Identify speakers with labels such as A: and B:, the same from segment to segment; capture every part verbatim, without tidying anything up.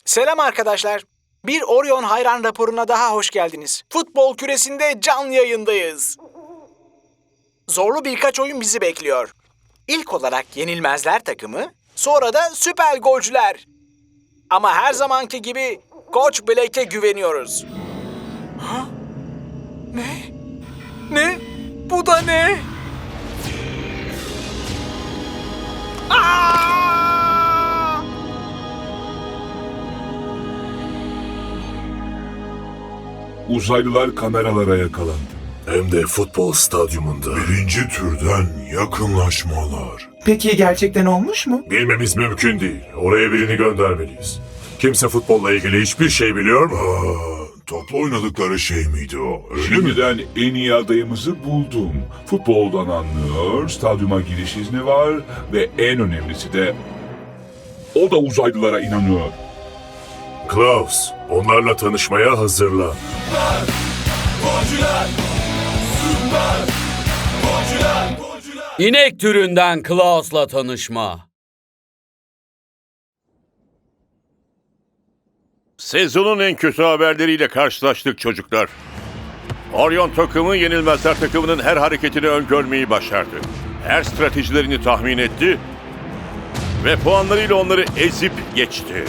A: Selam arkadaşlar. Bir Orion hayran raporuna daha hoş geldiniz. Futbol küresinde canlı yayındayız. Zorlu birkaç oyun bizi bekliyor. İlk olarak Yenilmezler takımı, sonra da Süper Golcüler. Ama her zamanki gibi Koç Blake'e güveniyoruz. Ha? Ne? Ne? Bu da ne? Aa!
B: Uzaylılar kameralara yakalandı.
C: Hem de futbol stadyumunda.
D: Birinci türden yakınlaşmalar.
E: Peki gerçekten olmuş mu?
C: Bilmemiz mümkün değil. Oraya birini göndermeliyiz. Kimse futbolla ilgili hiçbir şey biliyor mu?
D: Aa, toplu oynadıkları şey miydi o? Öyle mi?
B: Şimdiden en iyi adayımızı buldum. Futboldan anlıyor, stadyuma giriş izni var ve en önemlisi de o da uzaylılara inanıyor.
C: Klaus, onlarla tanışmaya hazırlan.
F: İnek türünden Klaus'la tanışma.
G: Sezonun en kötü haberleriyle karşılaştık çocuklar. Orion takımı Yenilmezler takımının her hareketini öngörmeyi başardı. Her stratejilerini tahmin etti ve puanlarıyla onları ezip geçti.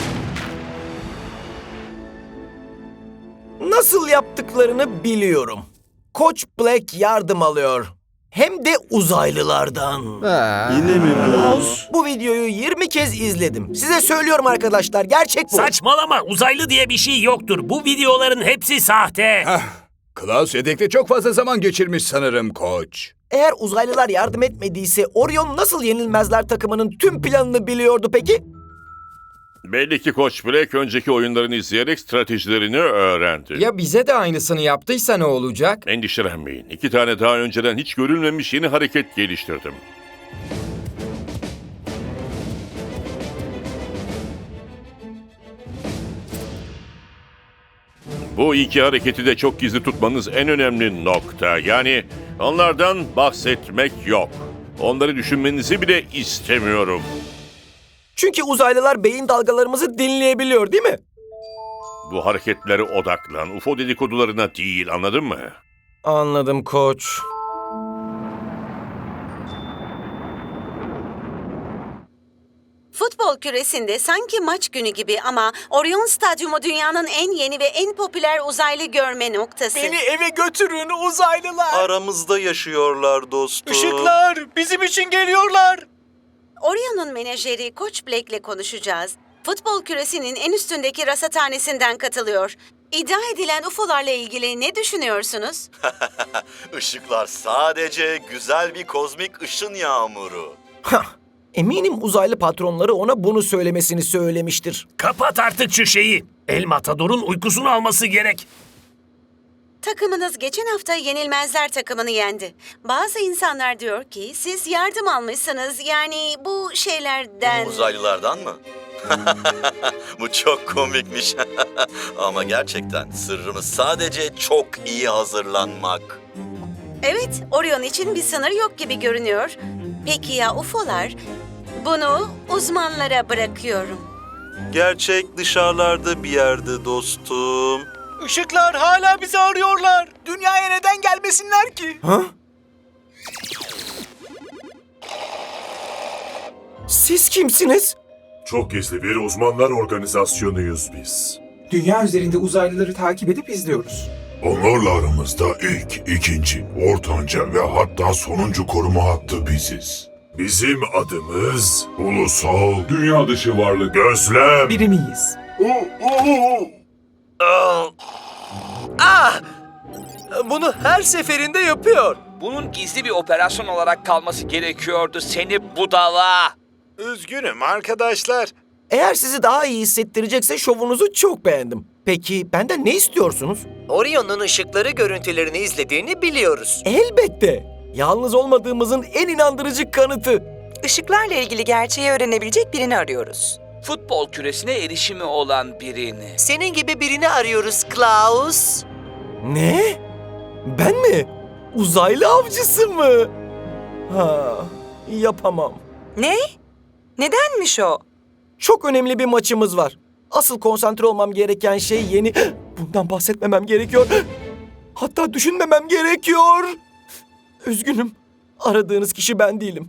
H: Nasıl yaptıklarını biliyorum. Koç Black yardım alıyor. Hem de uzaylılardan.
I: Yine mi bu?
H: Bu videoyu yirmi kez izledim. Size söylüyorum arkadaşlar, gerçek bu.
J: Saçmalama, uzaylı diye bir şey yoktur. Bu videoların hepsi sahte.
I: Klaus yedekte çok fazla zaman geçirmiş sanırım koç.
H: Eğer uzaylılar yardım etmediyse Orion nasıl Yenilmezler takımının tüm planını biliyordu peki?
G: Belli ki Koç Black önceki oyunlarını izleyerek stratejilerini öğrendi.
K: Ya bize de aynısını yaptıysa ne olacak?
G: Endişelenmeyin. İki tane daha önceden hiç görülmemiş yeni hareket geliştirdim. Bu iki hareketi de çok gizli tutmanız en önemli nokta. Yani onlardan bahsetmek yok. Onları düşünmenizi bile istemiyorum.
H: Çünkü uzaylılar beyin dalgalarımızı dinleyebiliyor değil mi?
G: Bu hareketlere odaklan. U F O dedikodularına değil, anladın mı?
H: Anladım koç.
L: Futbol küresinde sanki maç günü gibi ama Orion Stadyumu dünyanın en yeni ve en popüler uzaylı görme noktası.
A: Beni eve götürün uzaylılar.
I: Aramızda yaşıyorlar dostum.
A: Işıklar bizim için geliyorlar.
L: Orion'un menajeri Koç Blake'le konuşacağız. Futbol küresinin en üstündeki rasathanesinden katılıyor. İddia edilen U F O'larla ilgili ne düşünüyorsunuz?
I: Işıklar sadece güzel bir kozmik ışın yağmuru.
H: Hah, eminim uzaylı patronları ona bunu söylemesini söylemiştir.
J: Kapat artık şu şeyi. El Matador'un uykusunu alması gerek.
L: Takımınız geçen hafta Yenilmezler takımını yendi. Bazı insanlar diyor ki siz yardım almışsınız, yani bu şeylerden...
I: Uzaylılardan mı? Bu çok komikmiş. Ama gerçekten sırrımız sadece çok iyi hazırlanmak.
L: Evet, Orion için bir sınır yok gibi görünüyor. Peki ya U F O'lar? Bunu uzmanlara bırakıyorum.
I: Gerçek dışarılarda bir yerde dostum.
A: Işıklar hala bizi arıyorlar. Dünyaya neden gelmesinler ki?
H: Ha? Siz kimsiniz?
C: Çok gizli bir uzmanlar organizasyonuyuz biz.
E: Dünya üzerinde uzaylıları takip edip izliyoruz.
D: Onlarla aramızda ilk, ikinci, ortanca ve hatta sonuncu koruma hattı biziz.
C: Bizim adımız Ulusal
B: Dünya dışı varlık.
C: Gözlem.
E: Biri miyiz?
H: Ah! Bunu her seferinde yapıyor.
M: Bunun gizli bir operasyon olarak kalması gerekiyordu seni budala.
A: Üzgünüm arkadaşlar.
H: Eğer sizi daha iyi hissettirecekse şovunuzu çok beğendim. Peki benden ne istiyorsunuz?
N: Orion'un ışıkları görüntülerini izlediğini biliyoruz.
H: Elbette. Yalnız olmadığımızın en inandırıcı kanıtı.
N: Işıklarla ilgili gerçeği öğrenebilecek birini arıyoruz.
M: Futbol küresine erişimi olan birini.
N: Senin gibi birini arıyoruz Klaus.
H: Ne? Ben mi? Uzaylı avcısı mı? Ha, yapamam.
N: Ne? Nedenmiş o?
H: Çok önemli bir maçımız var. Asıl konsantre olmam gereken şey yeni... Bundan bahsetmemem gerekiyor. Hatta düşünmemem gerekiyor. Üzgünüm. Aradığınız kişi ben değilim.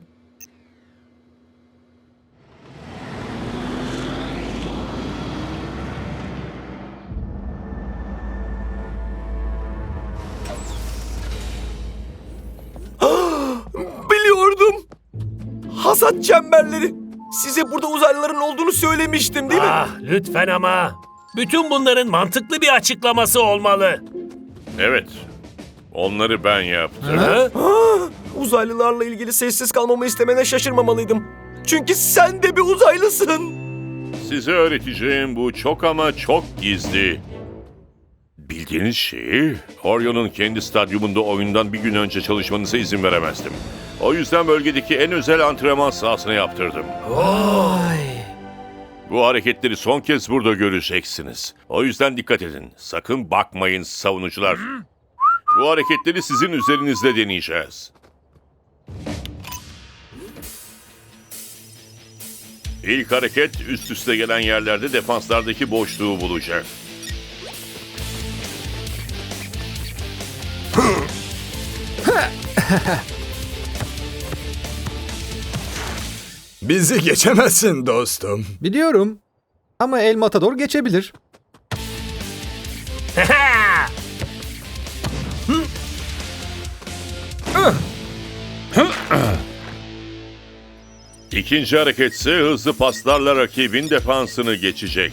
H: Biliyordum. Hasat çemberleri. Size burada uzaylıların olduğunu söylemiştim değil mi?
J: Ah, lütfen ama. Bütün bunların mantıklı bir açıklaması olmalı.
G: Evet. Onları ben yaptım.
J: Ha?
H: Ah, uzaylılarla ilgili sessiz kalmamı istemene şaşırmamalıydım. Çünkü sen de bir uzaylısın.
G: Size öğreteceğim bu çok ama çok gizli. Bildiğiniz şeyi Orion'un kendi stadyumunda oyundan bir gün önce çalışmanıza izin veremezdim. O yüzden bölgedeki en özel antrenman sahasına yaptırdım.
J: Vay.
G: Bu hareketleri son kez burada göreceksiniz. O yüzden dikkat edin. Sakın bakmayın savunucular. Bu hareketleri sizin üzerinizde deneyeceğiz. İlk hareket üst üste gelen yerlerde defanslardaki boşluğu bulacak.
I: Bizi geçemezsin dostum.
O: Biliyorum. Ama El Matador geçebilir.
G: İkinci hareketse hızlı paslarla rakibin defansını geçecek.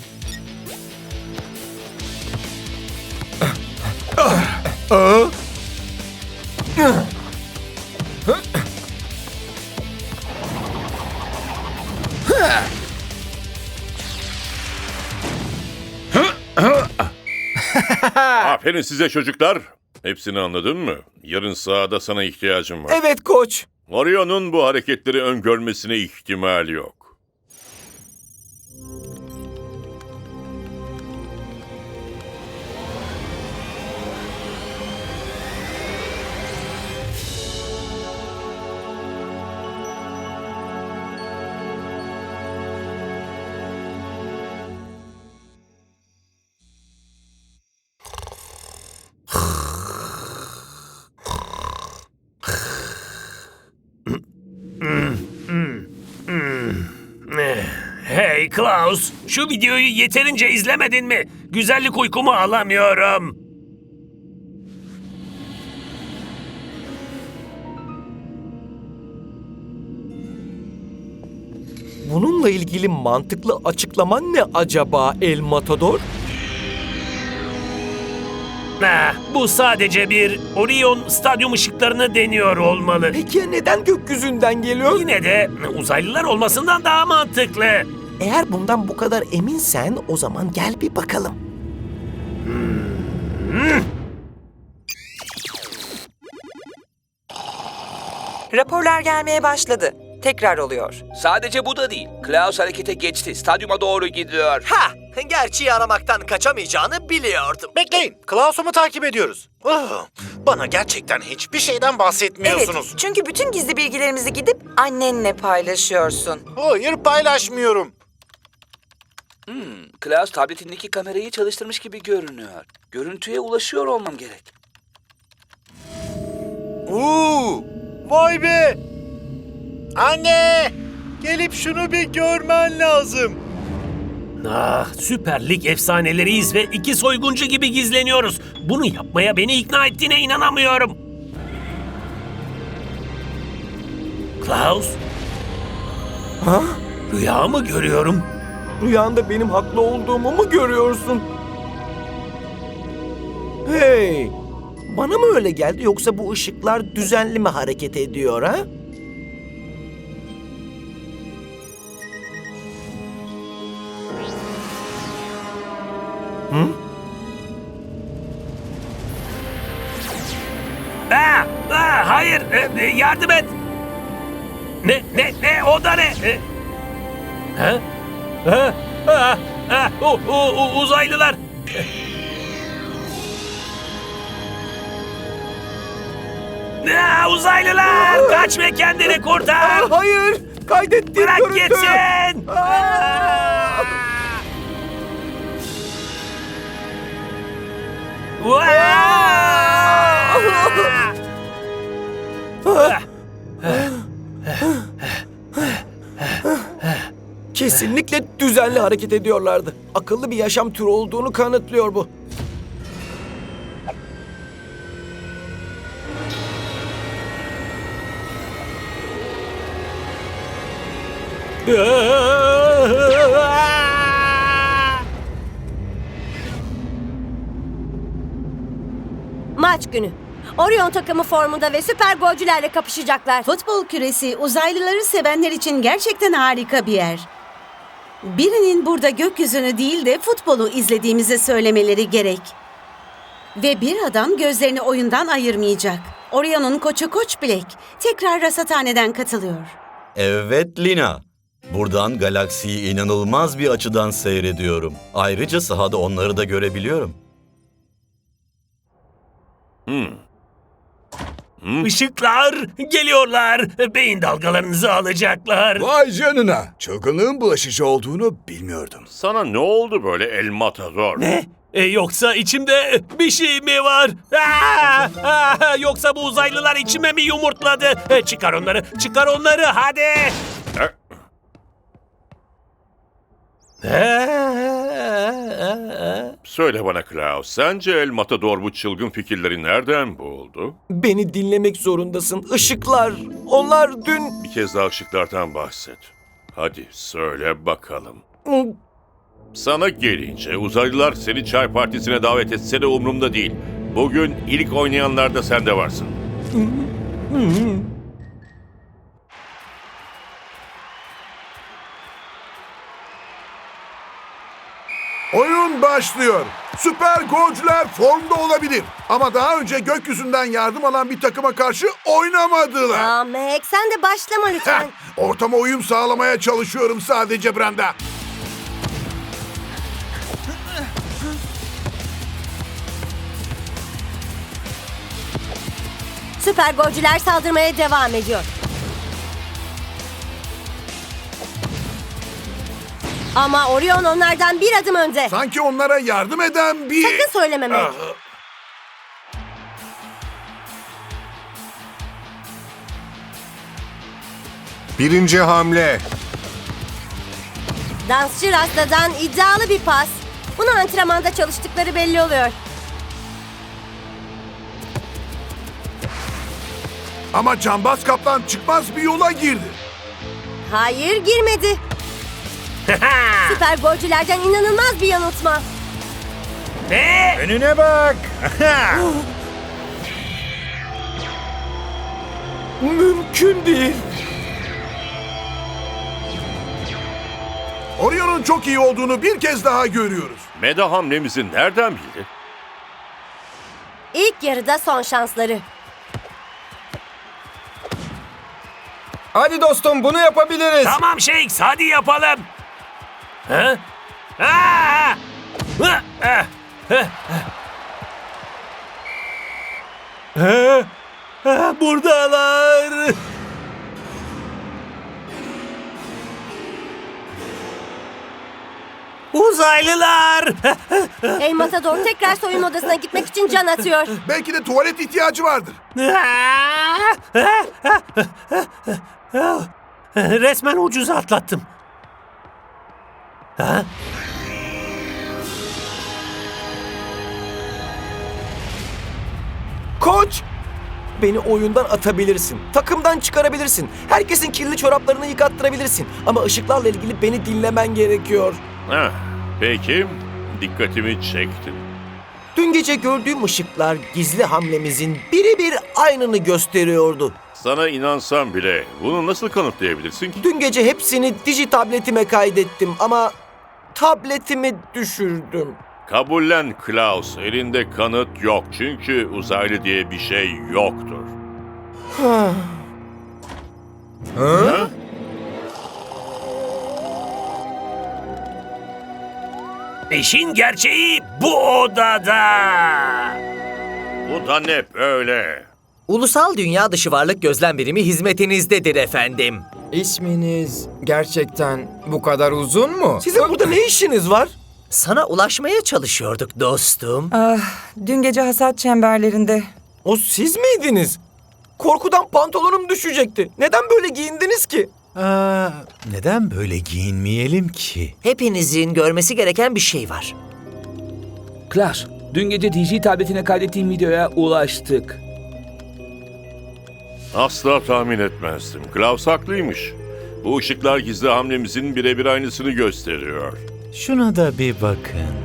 G: Aferin size çocuklar. Hepsini anladın mı? Yarın sahada sana ihtiyacım var.
H: Evet koç.
G: Orion'un bu hareketleri öngörmesine ihtimal yok.
J: Hey Klaus, şu videoyu yeterince izlemedin mi? Güzellik uykumu alamıyorum.
H: Bununla ilgili mantıklı açıklaman ne acaba El Matador?
J: Ah, bu sadece bir Orion stadyum ışıklarını deniyor olmalı.
H: Peki ya neden gökyüzünden geliyor?
J: Yine de uzaylılar olmasından daha mantıklı.
H: Eğer bundan bu kadar eminsen o zaman gel bir bakalım.
J: Hmm.
N: Raporlar gelmeye başladı. Tekrar oluyor.
M: Sadece bu da değil. Klaus harekete geçti. Stadyuma doğru gidiyor.
H: Ha! Gerçeği aramaktan kaçamayacağını biliyordum.
A: Bekleyin. Klaus'u mu takip ediyoruz? Oh, bana gerçekten hiçbir şeyden bahsetmiyorsunuz.
N: Evet, çünkü bütün gizli bilgilerimizi gidip annenle paylaşıyorsun.
A: Hayır, paylaşmıyorum.
M: Hmm, Klaus tabletindeki kamerayı çalıştırmış gibi görünüyor. Görüntüye ulaşıyor olmam gerek.
A: Uuu, vay be! Anne! Gelip şunu bir görmen lazım.
J: Ah, Süper Lig efsaneleriyiz ve iki soyguncu gibi gizleniyoruz. Bunu yapmaya beni ikna ettiğine inanamıyorum. Klaus?
H: Ha?
J: Rüya mı görüyorum?
H: Rüyanda benim haklı olduğumu mu görüyorsun? Hey! Bana mı öyle geldi yoksa bu ışıklar düzenli mi hareket ediyor ha? Hı?
J: Aa, aa, hayır, e, e, yardım et. Ne, ne, ne, o da ne? E, ha? Ha? Ha? Ha? O, o, o, uzaylılar. Aa, uzaylılar! Kaç ve kendini kurtar!
H: Aa, hayır! Kaydettiğim
J: Bırak
H: görüntü!
J: gitsin!
H: Aa! Kesinlikle düzenli hareket ediyorlardı. Akıllı bir yaşam türü olduğunu kanıtlıyor bu.
P: Maç günü. Orion takımı formunda ve süper golcülerle kapışacaklar.
L: Futbol küresi uzaylıları sevenler için gerçekten harika bir yer. Birinin burada gökyüzünü değil de futbolu izlediğimizi söylemeleri gerek. Ve bir adam gözlerini oyundan ayırmayacak. Orion'un koçu Koç Black tekrar rasathaneden katılıyor.
Q: Evet Lina. Buradan galaksiyi inanılmaz bir açıdan seyrediyorum. Ayrıca sahada onları da görebiliyorum.
J: Hmm. Hmm. Işıklar geliyorlar. Beyin dalgalarınızı alacaklar.
I: Vay canına. Çılgınlığın bulaşıcı olduğunu bilmiyordum.
G: Sana ne oldu böyle El Matador?
J: Ne? E, yoksa içimde bir şey mi var? Aa! Aa! Yoksa bu uzaylılar içime mi yumurtladı? E, çıkar onları, çıkar onları hadi.
G: E? Söyle bana Klaus, sence El Matador bu çılgın fikirleri nereden buldu?
H: Beni dinlemek zorundasın. Işıklar. Onlar dün...
G: Bir kez daha ışıklardan bahset. Hadi söyle bakalım. Sana gelince uzaylılar seni çay partisine davet etse de umurumda değil. Bugün ilk oynayanlarda sen de varsın.
D: Oyun başlıyor. Süper golcüler formda olabilir. Ama daha önce gökyüzünden yardım alan bir takıma karşı oynamadılar.
P: Aa, Mac sen de başlama lütfen.
D: Ortama uyum sağlamaya çalışıyorum sadece Brenda.
P: Süper golcüler saldırmaya devam ediyor. Ama Orion onlardan bir adım önde.
D: Sanki onlara yardım eden bir...
P: Sakın söyleme Mac.
R: Birinci hamle.
P: Dansçı Rasta'dan iddialı bir pas. Bunu antrenmanda çalıştıkları belli oluyor.
D: Ama Cambaz Kaplan çıkmaz bir yola girdi.
P: Hayır, girmedi. Süper golcülerden inanılmaz bir yanıltma.
J: Ne?
I: Önüne bak.
H: Mümkün değil.
D: Orion'un çok iyi olduğunu bir kez daha görüyoruz.
G: Meda hamlemizi nereden bildi?
P: İlk yarıda son şansları.
K: Hadi dostum bunu yapabiliriz.
J: Tamam Shakes hadi yapalım. Ha? Aa! Ha! Ha! Ha! Ha! Ha! Buradalar. Uzaylılar.
P: El Matador tekrar soyunma odasına gitmek için can atıyor.
D: Belki de tuvalet ihtiyacı vardır.
J: Resmen ucuz atlattım. Ha?
H: Koç! Beni oyundan atabilirsin. Takımdan çıkarabilirsin. Herkesin kirli çoraplarını yıkattırabilirsin. Ama ışıklarla ilgili beni dinlemen gerekiyor.
G: Heh, peki, dikkatimi çektin.
H: Dün gece gördüğüm ışıklar gizli hamlemizin birebir aynını gösteriyordu.
G: Sana inansam bile bunu nasıl kanıtlayabilirsin ki?
H: Dün gece hepsini dijitabletime kaydettim ama tabletimi düşürdüm.
G: Kabullen Klaus, elinde kanıt yok çünkü uzaylı diye bir şey yoktur.
H: Ha?
G: Ha?
J: İşin gerçeği bu odada.
G: Bu da ne böyle?
H: Ulusal Dünya Dışı Varlık Gözlem Birimi hizmetinizdedir efendim.
K: İsminiz gerçekten bu kadar uzun mu?
H: Sizin burada ne işiniz var? Sana ulaşmaya çalışıyorduk dostum.
N: Ah, dün gece hasat çemberlerinde.
H: O siz miydiniz? Korkudan pantolonum düşecekti. Neden böyle giyindiniz ki?
S: Aa, neden böyle giyinmeyelim ki?
H: Hepinizin görmesi gereken bir şey var.
M: Klaus, dün gece D J tabletine kaydettiğim videoya ulaştık.
G: Asla tahmin etmezdim. Klaus haklıymış. Bu ışıklar gizli hamlemizin birebir aynısını gösteriyor.
S: Şuna da bir bakın.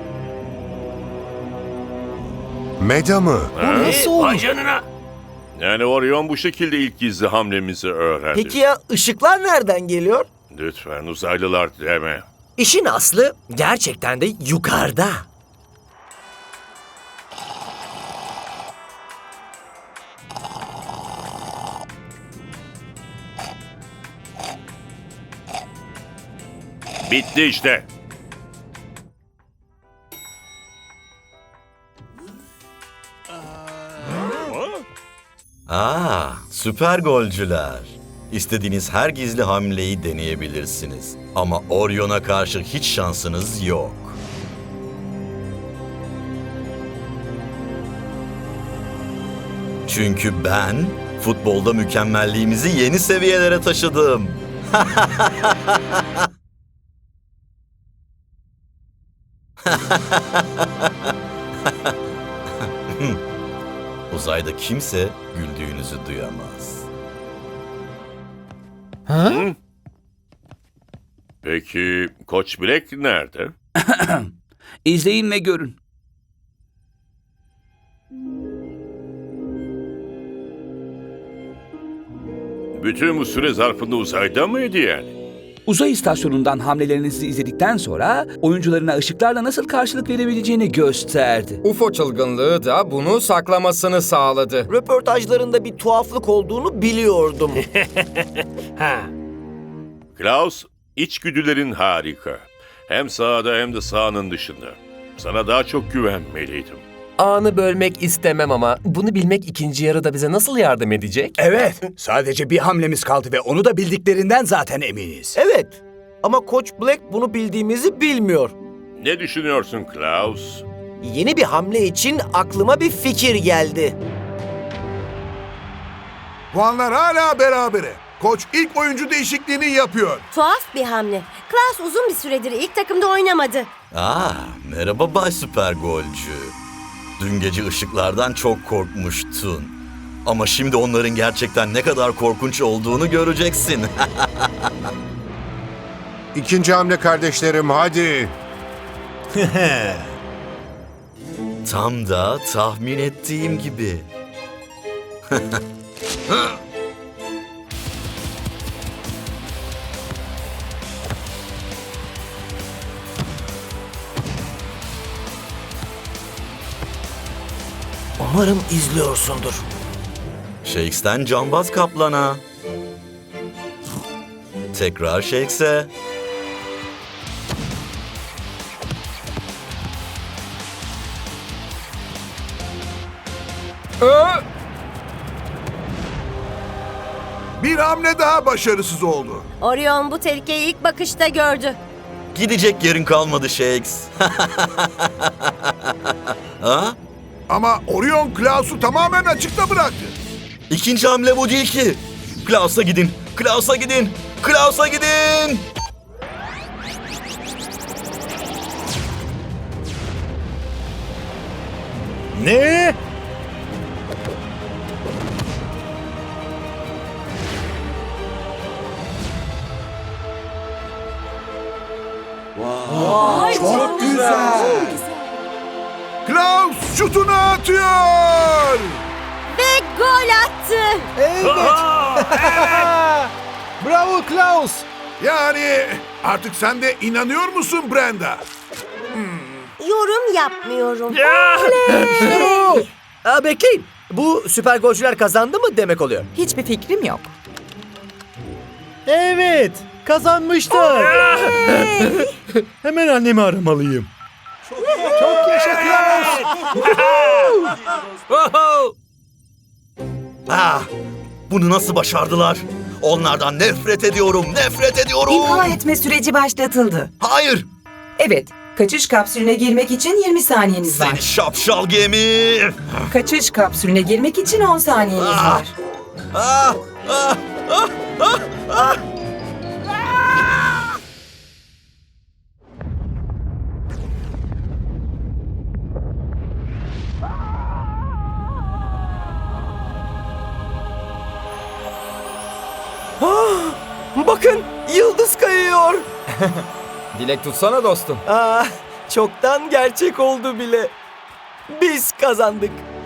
R: Meda mı?
G: Ha?
H: Nasıl olur?
J: Vay canına.
G: Yani Orion bu şekilde ilk gizli hamlemizi öğrendi.
H: Peki ya ışıklar nereden geliyor?
G: Lütfen uzaylılar deme.
H: İşin aslı gerçekten de yukarıda.
G: Bitti işte.
Q: Aa, süper golcüler. İstediğiniz her gizli hamleyi deneyebilirsiniz. Ama Orion'a karşı hiç şansınız yok. Çünkü ben futbolda mükemmelliğimizi yeni seviyelere taşıdım. Uzayda kimse güldüğünüzü duyamaz.
S: Ha?
G: Hı? Peki Koç Black nerede?
M: İzleyin ve görün.
G: Bütün bu süre zarfında uzayda mıydı yani?
M: Uzay istasyonundan hamlelerinizi izledikten sonra oyuncularına ışıklarla nasıl karşılık verebileceğini gösterdi.
K: U F O çılgınlığı da bunu saklamasını sağladı.
H: Röportajlarında bir tuhaflık olduğunu biliyordum.
J: Ha.
G: Klaus, içgüdülerin harika. Hem sahada hem de sahanın dışında. Sana daha çok güvenmeliydim.
K: Anı bölmek istemem ama bunu bilmek ikinci yarıda bize nasıl yardım edecek?
I: Evet, sadece bir hamlemiz kaldı ve onu da bildiklerinden zaten eminiz.
H: Evet ama Koç Black bunu bildiğimizi bilmiyor.
G: Ne düşünüyorsun Klaus?
H: Yeni bir hamle için aklıma bir fikir geldi.
D: Puanlar hala berabere. Koç ilk oyuncu değişikliğini yapıyor.
P: Tuhaf bir hamle. Klaus uzun bir süredir ilk takımda oynamadı.
Q: Aa, merhaba Bay Süper Golcü. Dün gece ışıklardan çok korkmuştun. Ama şimdi onların gerçekten ne kadar korkunç olduğunu göreceksin.
R: İkinci hamle kardeşlerim, hadi.
Q: Tam da tahmin ettiğim gibi.
H: Umarım izliyorsundur.
Q: Shakes'ten cambaz kaplana. Tekrar Shakes'e.
D: Bir hamle daha başarısız oldu.
P: Orion bu tehlikeyi ilk bakışta gördü.
Q: Gidecek yerin kalmadı Shakes. Ha?
D: Ama Orion Klaus'u tamamen açıkta bıraktı.
Q: İkinci hamle bu değil ki. Klaus'a gidin, Klaus'a gidin, Klaus'a gidin.
I: Ne?
E: Vay, çok güzel.
D: Klaus şutunu atıyor.
P: Ve gol attı.
O: Evet. Bravo Klaus.
D: Yani artık sen de inanıyor musun Brenda?
P: Yorum yapmıyorum.
H: İşte bu. Aa, bekleyin. Bu süper golcüler kazandı mı demek oluyor?
N: Hiçbir fikrim yok.
I: Evet, kazanmışlar. Hemen annemi aramalıyım.
O: Çok yaşa Klaus.
Q: Ah, bunu nasıl başardılar? Onlardan nefret ediyorum, nefret ediyorum.
N: İmha etme süreci başlatıldı.
Q: Hayır.
N: Evet, Kaçış kapsülüne girmek için yirmi saniyeniz var.
Q: Seni şapşal gemi!
N: Kaçış kapsülüne girmek için on saniyeniz var.
Q: Ah, ah, ah, ah, ah.
H: Ah, bakın yıldız kayıyor.
E: Dilek tutsana dostum.
H: Ah, çoktan gerçek oldu bile. Biz kazandık.